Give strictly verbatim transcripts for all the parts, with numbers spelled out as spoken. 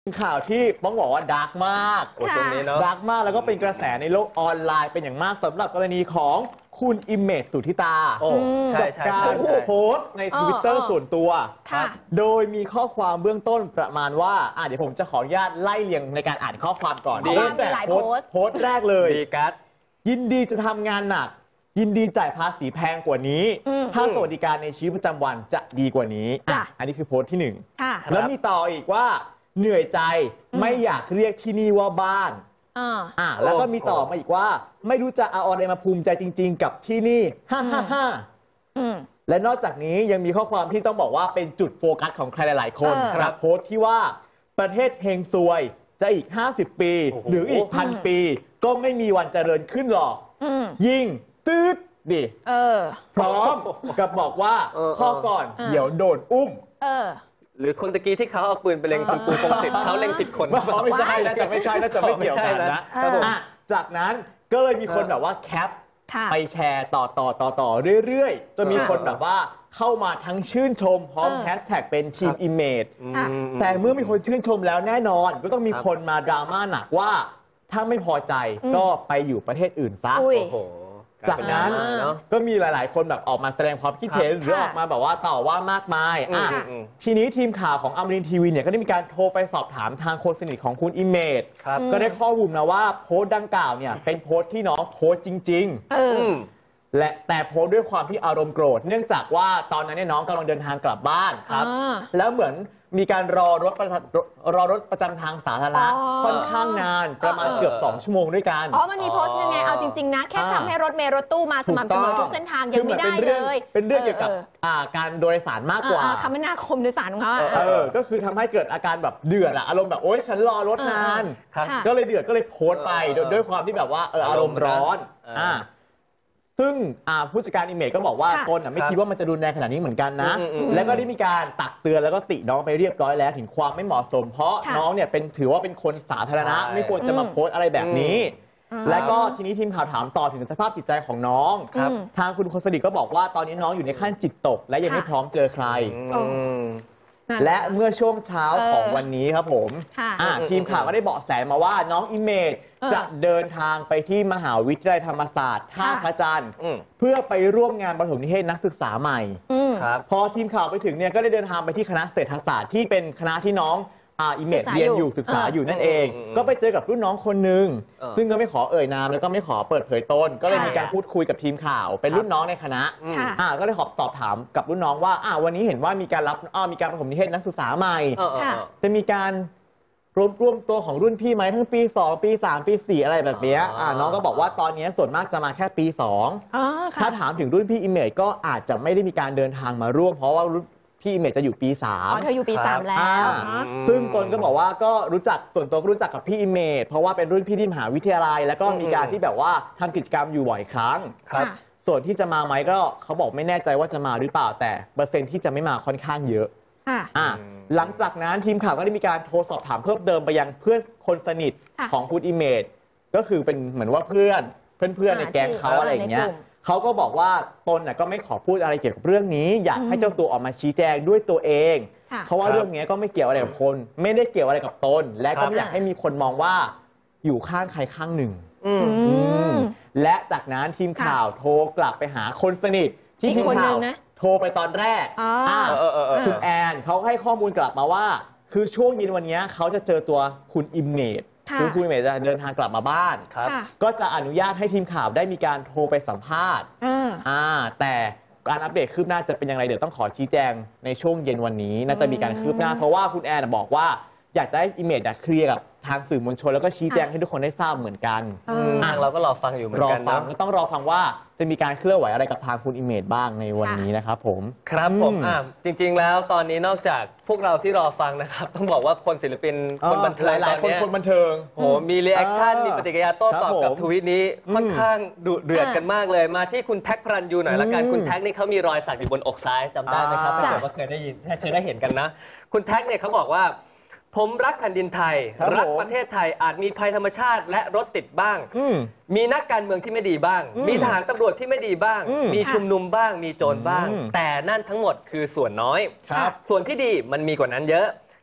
ข่าวที่ต้องบอกว่าดาร์กมากโอ้ช่วงนี้เนาะดาร์กมากแล้วก็เป็นกระแสในโลกออนไลน์เป็นอย่างมากสำหรับกรณีของคุณอิมเมจสุทธิตาโอ้ใช่ใช่การโพสต์ในทวิตเตอร์ส่วนตัวโดยมีข้อความเบื้องต้นประมาณว่าอ่ะเดี๋ยวผมจะขออนุญาตไล่เรียงในการอ่านข้อความก่อนดีเริ่มจากโพสต์โพสต์แรกเลยดีกัสยินดีจะทำงานหนักยินดีจ่ายภาษีแพงกว่านี้ถ้าสวัสดิการในชีวิตประจำวันจะดีกว่านี้อ่ะอันนี้คือโพสต์ที่หนึ่งแล้วมีต่ออีกว่าเหนื่อยใจไม่อยากเรียกที่นี่ว่าบ้านอ่าแล้วก็มีต่อมาอีกว่าไม่รู้จะเอาอะไรมาภูมิใจจริงๆกับที่นี่ฮ่าฮ่าฮ่าและนอกจากนี้ยังมีข้อความที่ต้องบอกว่าเป็นจุดโฟกัสของใครหลายๆคนครับโพสต์ที่ว่าประเทศเฮงซวยจะอีกห้าสิบปีหรืออีกพันปีก็ไม่มีวันเจริญขึ้นหรอกยิ่งตืดดิพร้อมกับบอกว่าข้อก่อนเดี๋ยวโดนอุ้มหรือคนตะกี้ที่เขาเอาปืนไปเล็งคุณปูพงศิษฐ์เขาเล็งผิดคนไม่ใช่น่าจะไม่ใช่น่าจะไม่เกี่ยวกันนะจากนั้นก็เลยมีคนแบบว่าแคปไปแชร์ต่อต่อต่อต่อเรื่อยๆจนมีคนแบบว่าเข้ามาทั้งชื่นชมพร้อมแฮชแท็กเป็นทีมอิมเมจแต่เมื่อมีคนชื่นชมแล้วแน่นอนก็ต้องมีคนมาดราม่าหนักว่าถ้าไม่พอใจก็ไปอยู่ประเทศอื่นซะจากนั้นก็มีหลายๆคนแบบออกมาแสดงความคิดเห็นหรือออกมาแบบว่าต่อว่ามากมายอ่ะทีนี้ทีมข่าวของอมรินทร์ทีวีเนี่ยก็ได้มีการโทรไปสอบถามทางคนสนิทของคุณอิมเมจก็ได้ข้อมูลนะว่าโพสต์ดังกล่าวเนี่ยเป็นโพสต์ที่น้องโพสต์จริงๆและแต่โพสต์ด้วยความที่อารมณ์โกรธเนื่องจากว่าตอนนั้นเนี่ยน้องกำลังเดินทางกลับบ้านครับแล้วเหมือนมีการรอรถรอรถประจำทางสาธารณะค่อนข้างนานประมาณเกือบสองชั่วโมงด้วยกันอ๋อมันมีโพสต์ยังไงเอาจริงๆนะแค่ทำให้รถเมล์รถตู้มาสม่ำเสมอทุกเส้นทางยังไม่ได้เลยเป็นเรื่องเกี่ยวกับการโดยสารมากกว่าคมนาคมโดยสารของเขาเออก็คือทำให้เกิดอาการแบบเดือดอะอารมณ์แบบโอ๊ยฉันรอรถนานก็เลยเดือดก็เลยโพสต์ไปด้วยความที่แบบว่าเอออารมณ์ร้อนอ่าซึ่งผู้จัดการอิมเมจก็บอกว่าตนไม่คิดว่ามันจะรุนแรงขนาดนี้เหมือนกันนะแล้วก็ได้มีการตักเตือนแล้วก็ติน้องไปเรียบร้อยแล้วถึงความไม่เหมาะสมเพราะน้องเนี่ยเป็นถือว่าเป็นคนสาธารณะไม่ควรจะมาโพสต์อะไรแบบนี้และก็ทีนี้ทีมข่าวถามต่อถึงสภาพจิตใจของน้องทางคุณคนสนิทก็บอกว่าตอนนี้น้องอยู่ในขั้นจิตตกและยังไม่พร้อมเจอใครและเมื่อช่วงเช้าของวันนี้ครับผมทีมข่าวก็ได้เบาะแสมาว่าน้องอิมเมจจะเดินทางไปที่มหาวิทยาลัยธรรมศาสตร์ท่าพระจันทร์เพื่อไปร่วมงานประถมนิเทศนักศึกษาใหม่พอทีมข่าวไปถึงเนี่ยก็ได้เดินทางไปที่คณะเศรษฐศาสตร์ที่เป็นคณะที่น้องอิมเมจเรียนอยู่ศึกษาอยู่นั่นเองก็ไปเจอกับรุ่นน้องคนหนึ่งซึ่งก็ไม่ขอเอ่ยนามแล้วก็ไม่ขอเปิดเผยตนก็เลยมีการพูดคุยกับทีมข่าวเป็นรุ่นน้องในคณะก็ได้ขอสอบถามกับรุ่นน้องว่าวันนี้เห็นว่ามีการรับมีการประถมนิเทศนักศึกษาใหม่จะมีการรวมรวมตัวของรุ่นพี่ไหมทั้งปีสองปีสามปีสี่อะไรแบบนี้น้องก็บอกว่าตอนนี้ส่วนมากจะมาแค่ปีสองถ้าถามถึงรุ่นพี่อิมเมจก็อาจจะไม่ได้มีการเดินทางมาร่วมเพราะว่าพี่อิมเมจจะอยู่ปีสามอ๋อเธออยู่ปีสามแล้วซึ่งตนก็บอกว่าก็รู้จักส่วนตัวก็รู้จักกับพี่อิมเมจเพราะว่าเป็นรุ่นพี่ที่มหาวิทยาลัยแล้วก็มีการที่แบบว่าทำกิจกรรมอยู่บ่อยครั้งส่วนที่จะมาไหมก็เขาบอกไม่แน่ใจว่าจะมาหรือเปล่าแต่เปอร์เซ็นต์ที่จะไม่มาค่อนข้างเยอะหลังจากนั้นทีมข่าวก็ได้มีการโทรสอบถามเพิ่มเติมไปยังเพื่อนคนสนิทของคุณอิมเมจก็คือเป็นเหมือนว่าเพื่อนเพื่อนๆในแก๊งเขาอะไรอย่างเงี้ยเขาก็บอกว่าตนก็ไม่ขอพูดอะไรเกี่ยวกับเรื่องนี้อยากให้เจ้าตัวออกมาชี้แจงด้วยตัวเองเพราะว่าเรื่องนี้ก็ไม่เกี่ยวอะไรกับคนไม่ได้เกี่ยวอะไรกับตนและก็ไม่อยากให้มีคนมองว่าอยู่ข้างใครข้างหนึ่งและจากนั้นทีมข่าวโทรกลับไปหาคนสนิทที่ทีมข่าวโทรไปตอนแรกคุณแอนเขาให้ข้อมูลกลับมาว่าคือช่วงเย็นวันนี้เขาจะเจอตัวคุณอิมเมจคือคุณอิมเมจจะเดินทางกลับมาบ้านก็จะอนุญาตให้ทีมข่าวได้มีการโทรไปสัมภาษณ์แต่การอัปเดตคืบหน้าจะเป็นยังไงเดี๋ยวต้องขอชี้แจงในช่วงเย็นวันนี้น่าจะมีการคืบหน้าเพราะว่าคุณแอนบอกว่าอยากจะให้อิมเมจเคลียร์กับทางสื่อมวลชนแล้วก็ชี้แจงให้ทุกคนได้ทราบเหมือนกันเราก็รอฟังอยู่เหมือนกันรอฟังก็ต้องรอฟังว่าจะมีการเคลื่อนไหวอะไรกับทางคุณอิมเมจบ้างในวันนี้นะครับผมครับผมจริงๆแล้วตอนนี้นอกจากพวกเราที่รอฟังนะครับต้องบอกว่าคนศิลปินคนบันเทิงหลายคนคนบันเทิงโหมีรีแอคชั่นมีปฏิกิริยาโต้ตอบกับทวีตนี้ค่อนข้างดุเดือดกันมากเลยมาที่คุณแท็กพรัญยูหน่อยละกันคุณแท็กนี่เขามีรอยสักอยู่บนอกซ้ายจำได้ไหมครับถ้าเกิดว่าเคยได้ยินเคยได้เห็นกันนะคุณแท็กเนี่ยเขาบอกว่าผมรักแผ่นดินไทยรักประเทศไทยอาจมีภัยธรรมชาติและรถติดบ้างมีนักการเมืองที่ไม่ดีบ้างมีทหารตำรวจที่ไม่ดีบ้างมีชุมนุมบ้างมีโจรบ้างแต่นั่นทั้งหมดคือส่วนน้อยส่วนที่ดีมันมีกว่านั้นเยอะ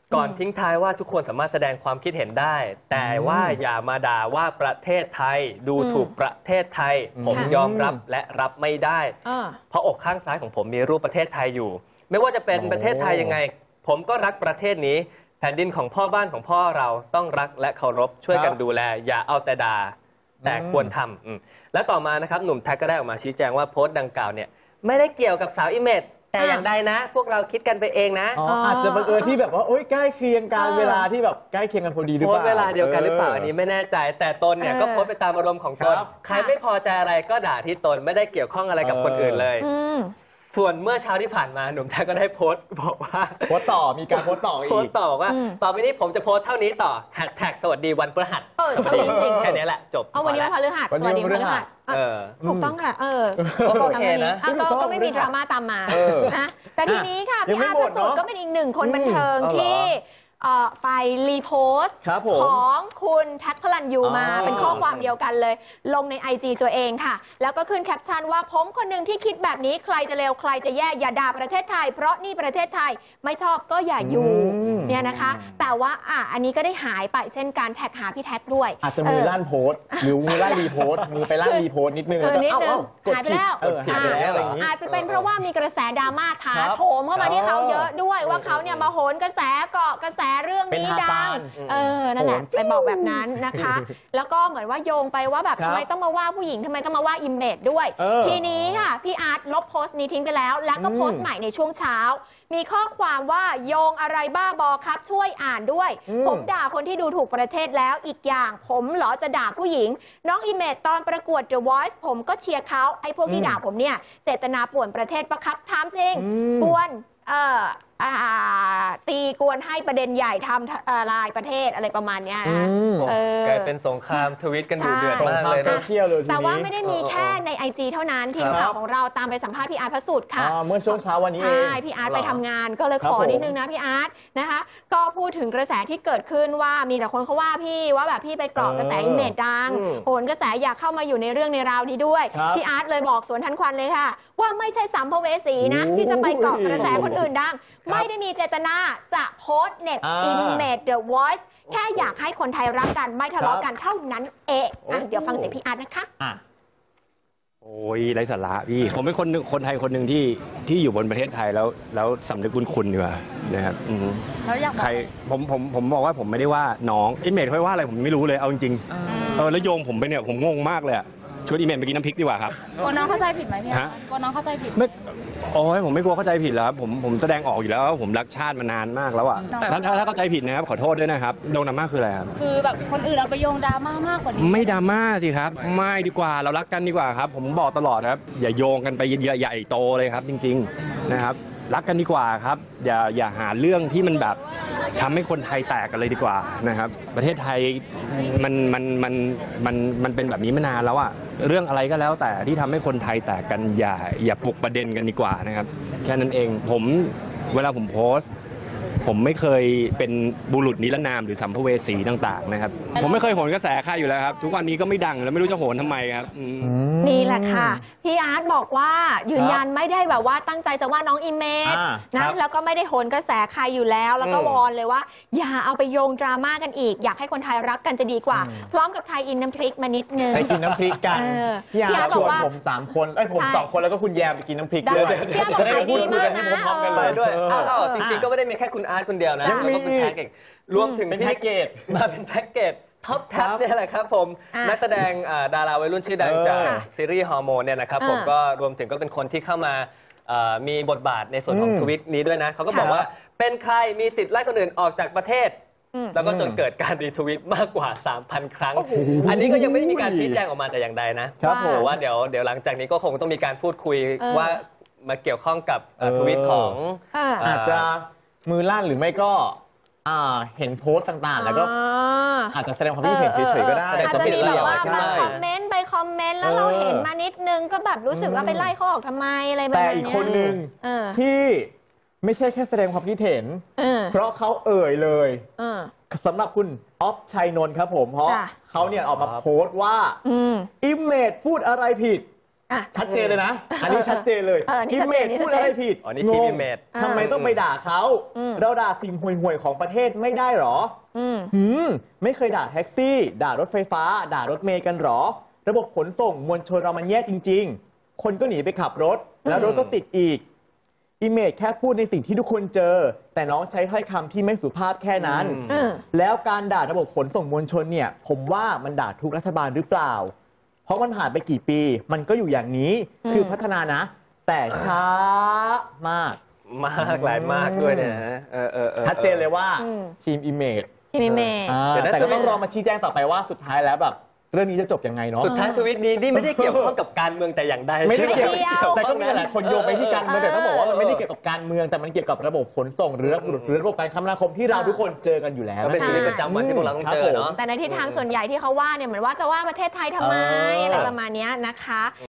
ก่อนทิ้งท้ายว่าทุกคนสามารถแสดงความคิดเห็นได้ แต่ว่าอย่ามาด่าว่าประเทศไทยดูถูกประเทศไทย ผมยอมรับและรับไม่ได้เพราะอกข้างซ้ายของผมมีรูปประเทศไทยอยู่ไม่ว่าจะเป็นประเทศไทยยังไงผมก็รักประเทศนี้แผ่นดินของพ่อบ้านของพ่อเราต้องรักและเคารพช่วยกันดูแลอย่าเอาแต่ด่าแต่ควรทำและต่อมานะครับหนุ่มแท็กก็ได้ออกมาชี้แจงว่าโพสต์ดังกล่าวเนี่ยไม่ได้เกี่ยวกับสาวอิเมจแต่อย่างใดนะพวกเราคิดกันไปเองนะอ๋ออาจจะบังเอิญที่แบบว่าโอ๊ยใกล้เคียงกันเวลาที่แบบใกล้เคียงกันพอดีหรือเปล่าโพสต์เวลาเดียวกันหรือเปล่าอันนี้ไม่แน่ใจแต่ตนเนี่ยก็โพสต์ไปตามอารมณ์ของตนใครไม่พอใจอะไรก็ด่าที่ตนไม่ได้เกี่ยวข้องอะไรกับคนอื่นเลยส่วนเมื่อเช้าที่ผ่านมาหนุ่มแท็กก็ได้โพสต์บอกว่าโพสต์ต่อมีการโพสต์ต่ออีกโพสต์ต่อว่าต่อไปนี้ผมจะโพสต์เท่านี้ต่อแฮชแท็กสวัสดีวันพฤหัสเออเท่านี้จริงแค่นี้แหละจบเอาวันนี้วันพฤหัสสวัสดีวันพฤหัสถูกต้องค่ะเออโอเคนะก็ไม่มีดราม่าตามมานะแต่ทีนี้ค่ะพี่อาร์ตประสุทธิ์ก็เป็นอีกหนึ่งคนบันเทิงที่ไปรีโพสต์ของคุณแท็กพลันยูมาเป็นข้อความเดียวกันเลยลงใน ไอ จี ตัวเองค่ะแล้วก็ขึ้นแคปชั่นว่าผมคนหนึ่งที่คิดแบบนี้ใครจะเลวใครจะแย่อย่าด่าประเทศไทยเพราะนี่ประเทศไทยไม่ชอบก็อย่าอยู่เนี่ยนะคะแต่ว่าอ่ะอันนี้ก็ได้หายไปเช่นการแท็กหาพี่แท็กด้วยอาจจะมือลั่นโพสต์หรือมือลั่นรีโพสต์มือไปลั่นรีโพสต์นิดนึงแล้วก็เอ้าหายไปแล้วอาจจะเป็นเพราะว่ามีกระแสดราม่าถาโถมเข้ามาที่เขาเยอะด้วยว่าเขาเนี่ยมาโหนกระแสเกาะกระแสเรื่องนี้ดังเออนั่นแหละไปบอกแบบนั้นนะคะแล้วก็เหมือนว่าโยงไปว่าแบบทำไมต้องมาว่าผู้หญิงทำไมต้องมาว่าอิมเมจด้วยทีนี้ค่ะพี่อาร์ตลบโพสต์นี้ทิ้งไปแล้วแล้วก็โพสต์ใหม่ในช่วงเช้ามีข้อความว่าโยงอะไรบ้าบอครับช่วยอ่านด้วยผมด่าคนที่ดูถูกประเทศแล้วอีกอย่างผมเหรอจะด่าผู้หญิงน้องอิมเมจตอนประกวด The Voice ผมก็เชียร์เขาไอ้พวกที่ด่าผมเนี่ยเจตนาป่วนประเทศปะครับถามจริงกวนเอ่อตีกวนให้ประเด็นใหญ่ทำลายประเทศอะไรประมาณนี้นะกลายเป็นสงครามทวิตกันดูเดือดมากเลยนะแต่ว่าไม่ได้มีแค่ใน ไอ จี เท่านั้นทีมข่าวของเราตามไปสัมภาษณ์พี่อาร์ตพระสุทธิ์ค่ะเมื่อช่วงเช้าวันนี้ใช่พี่อาร์ตไปทำงานก็เลยขอนิดนึงนะพี่อาร์ตนะคะก็พูดถึงกระแสที่เกิดขึ้นว่ามีแต่คนเขาว่าพี่ว่าแบบพี่ไปกรอกกระแสอิมเมจดังโหนกระแสอยากเข้ามาอยู่ในเรื่องในราวนี้ด้วยพี่อาร์ตเลยบอกสวนทันควันเลยค่ะว่าไม่ใช่สัมภเวสีนะที่จะไปกรอกกระแสคนอื่นดังไม่ได้มีเจตนาจะโพสต์เน็บอิมเมจ The Voice แค่อยากให้คนไทยรักกันไม่ทะเลาะกันเท่านั้นเองเดี๋ยวฟังเสียงพี่อาร์ตนะคะโอ้ยไร้สาระพี่ผมเป็นคนคนไทยคนหนึ่งที่ที่อยู่บนประเทศไทยแล้วแล้วสำนึกบุญคุณดีกว่านะครับแล้วอยากใครผมผมผมบอกว่าผมไม่ได้ว่าน้องอิมเมจเขาว่าอะไรผมไม่รู้เลยเอาจริงๆเออแล้วโยงผมไปเนี่ยผมงงมากเลยอะชวนอีเมลไปกินน้ำพริกดีกว่าครับกลัวน้องเข้าใจผิดไหมพี่กลัวน้องเข้าใจผิดไม่โอ้ยผมไม่กลัวเข้าใจผิดแล้วครับผมผมแสดงออกอยู่แล้วว่าผมรักชาติมานานมากแล้วอ่ะถ้าถ้าเข้าใจผิดนะครับขอโทษด้วยนะครับโดนดราม่าคืออะไรครับคือแบบคนอื่นเอาไปโยงดราม่ามากกว่านี้ไม่ดราม่าสิครับไม่ดีกว่าเรารักกันดีกว่าครับผมบอกตลอดครับอย่าโยงกันไปเยอะใหญ่โตเลยครับจริงๆนะครับรักกันดีกว่าครับอย่าอย่าหาเรื่องที่มันแบบทำให้คนไทยแตกกันเลยดีกว่านะครับประเทศไทยมันมันมันมันมันเป็นแบบนี้มานานแล้วอะเรื่องอะไรก็แล้วแต่ที่ทำให้คนไทยแตกกันอย่าอย่าปลุกประเด็นกันดีกว่านะครับแค่นั้นเองผมเวลาผมโพสต์ผมไม่เคยเป็นบุรุษนิรนามหรือสัมภเวสีต่างๆนะครับผมไม่เคยโหนกระแสใครอยู่แล้วครับทุกวันนี้ก็ไม่ดังแล้วไม่รู้จะโหนทำไมครับนี่แหละค่ะพี่อาร์ตบอกว่ายืนยันไม่ได้แบบว่าตั้งใจจะว่าน้องอิเมจนะแล้วก็ไม่ได้โหนกระแสใครอยู่แล้วแล้วก็วอนเลยว่าอย่าเอาไปโยงดราม่ากันอีกอยากให้คนไทยรักกันจะดีกว่าพร้อมกับไทยอินน้ำพริกมานิดนึงไปกินน้ำพริกกันพี่อาร์ตชวนผมสามคนไอ้ผมสองคนแล้วก็คุณแยมไปกินน้ำพริกด้วยพี่อาร์ตบอกขายดีมากนะพร้อมกันเลยด้วยจริงๆก็ไม่ได้มีแค่คุณอาร์ตคนเดียวนะยังมีแพ็กเกจรวมถึงเป็นแพ็กเกจมาเป็นแพ็กเกจท็อปแท็บเนี่ยแหละครับผมนักแสดงดาราวัยรุ่นชื่อดังจากซีรีส์ฮอร์โมนเนี่ยนะครับผมก็รวมถึงก็เป็นคนที่เข้ามามีบทบาทในส่วนของทวิตนี้ด้วยนะเขาก็บอกว่าเป็นใครมีสิทธิ์ไล่คนอื่นออกจากประเทศแล้วก็จนเกิดการรีทวิตมากกว่า สามพัน ครั้งอันนี้ก็ยังไม่ได้มีการชี้แจงออกมาแต่อย่างใดนะครับผมว่าเดี๋ยวเดี๋ยวหลังจากนี้ก็คงต้องมีการพูดคุยว่ามาเกี่ยวข้องกับทวิตของอาจจะมือลั่นหรือไม่ก็เห็นโพสต์ต่างๆแล้วก็อาจจะแสดงความคิดเห็นเฉยๆก็ได้อาจจะมีแบบว่ามาคอมเมนต์ไปคอมเมนต์แล้วเราเห็นมานิดนึงก็แบบรู้สึกว่าไปไล่เขาออกทำไมอะไรแบบนี้แต่อีกคนนึงที่ไม่ใช่แค่แสดงความคิดเห็นเพราะเขาเอ่ยเลยสำหรับคุณอ๊อฟชัยนนท์ครับผมเพราะเขาเนี่ยออกมาโพสต์ว่าอิมเมจพูดอะไรผิดอ่ะชัดเจนเลยนะ อันนี้ชัดเจนเลยเออนี่ชัดเจนนี่พูชัดดเจนอะไรผิดอ๋อนี่ทีมงอิงเมจทำไมต้องไปด่าเขาอืมเราด่าสิ่งห่วยๆของประเทศไม่ได้หรออืมหืมไม่เคยด่าแท็กซี่ ด่ารถไฟฟ้า ด่ารถเมย์กันหรอ ระบบขนส่งมวลชนเรามันแย่จริง ๆ คนก็หนีไปขับรถ แล้วรถก็ติดอีกอิเมจแค่พูดในสิ่งที่ทุกคนเจอ แต่น้องใช้ถ้อยคำที่ไม่สุภาพแค่นั้นเออแล้วการด่าระบบขนส่งมวลชนเนี่ย ผมว่ามันด่าทุกรัฐบาลหรือเปล่า เพราะมันผ่านไปกี่ปี มันก็อยู่อย่างนี้อืมคือพัฒนานะ แต่ช้ามากมากหลายมากด้วยเนี่ยนะเออเออออชัดเจนเลยว่าอืมทีมอิเมจที่มีเมย์เดี๋ยวนะแต่ก็ต้องรอมาชี้แจงต่อไปว่าสุดท้ายแล้วแบบเรื่องนี้จะจบยังไงเนาะสุดท้ายทวิตนี้นี่ไม่ได้เกี่ยวข้องกับการเมืองแต่อย่างใดไม่ได้เกี่ยวไม่เกี่ยวแต่ก็มีหลายคนโยงไปที่การเมืองเออแต่ต้องบอกว่ามันไม่ได้เกี่ยวกับการเมือง แต่มันเกี่ยวกับระบบขนส่งหรือระบบหรือระบบการคมนาคมที่เราทุกคนเจอกันอยู่แล้วก็เป็นนะชีวิตประจำวันที่พวกเราต้องเจอเนาะแต่ในทิศทางส่วนใหญ่ที่เขาว่าเนี่ยเหมือนว่าจะว่าประเทศไทยทำไมเออออะไรประมาณเนี้ยนะคะ